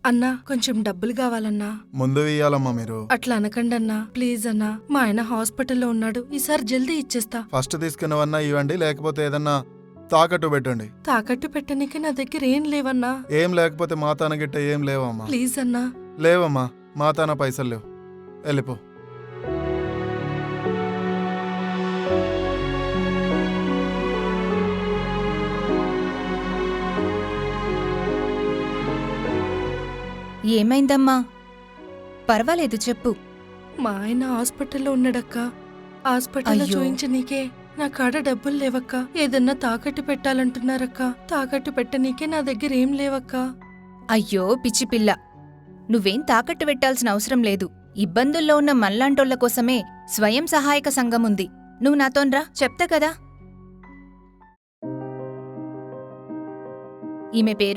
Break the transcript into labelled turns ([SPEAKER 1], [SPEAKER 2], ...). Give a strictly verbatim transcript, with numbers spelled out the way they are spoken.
[SPEAKER 1] అన్నా కొంచెం డబ్బులు కావాలన్నా.
[SPEAKER 2] ముందు ఇయ్యాలమ్మా మీరు.
[SPEAKER 1] అట్లా అనకండి అన్నా, ప్లీజ్ అన్నా. మా ఆయన హాస్పిటల్లో ఉన్నాడు, ఈసారి జల్దీ ఇచ్చేస్తా.
[SPEAKER 2] ఫస్ట్ తీసుకున్నవన్నా ఇవ్వండి, లేకపోతే ఏదన్నా తాకట్టు పెట్టండి.
[SPEAKER 1] తాకట్టు పెట్టనీకి నా దగ్గర ఏం లేవన్నా.
[SPEAKER 2] ఏం లేకపోతే మాతాన గిట్ట ఏం లేవమ్మా.
[SPEAKER 1] ప్లీజ్ అన్నా.
[SPEAKER 2] లేవమ్మా, మాతాన పైసలు లేవు. వెళ్ళిపో.
[SPEAKER 3] ఏమైందమ్మా? పర్వాలేదు చెప్పు.
[SPEAKER 1] మా ఆయన హాస్పిటల్లో ఉన్నాడక్క. హాస్పిటల్లో
[SPEAKER 3] అయ్యో.
[SPEAKER 1] చూయించనీకే నా కాడ డబ్బులు లేవక్క. ఏదన్నా తాకట్టు పెట్టాలంటున్నారక్క. తాకట్టు పెట్టనీకే నా దగ్గర ఏం లేవక్క.
[SPEAKER 3] అయ్యో పిచ్చిపిల్ల, నువ్వేం తాకట్టు పెట్టాల్సిన అవసరం లేదు. ఇబ్బందుల్లో ఉన్న మల్లాంటోళ్ల కోసమే స్వయం సహాయక సంఘం ఉంది. నువ్వు నాతోన్రా, చెప్తా కదా. ఈమె పేరు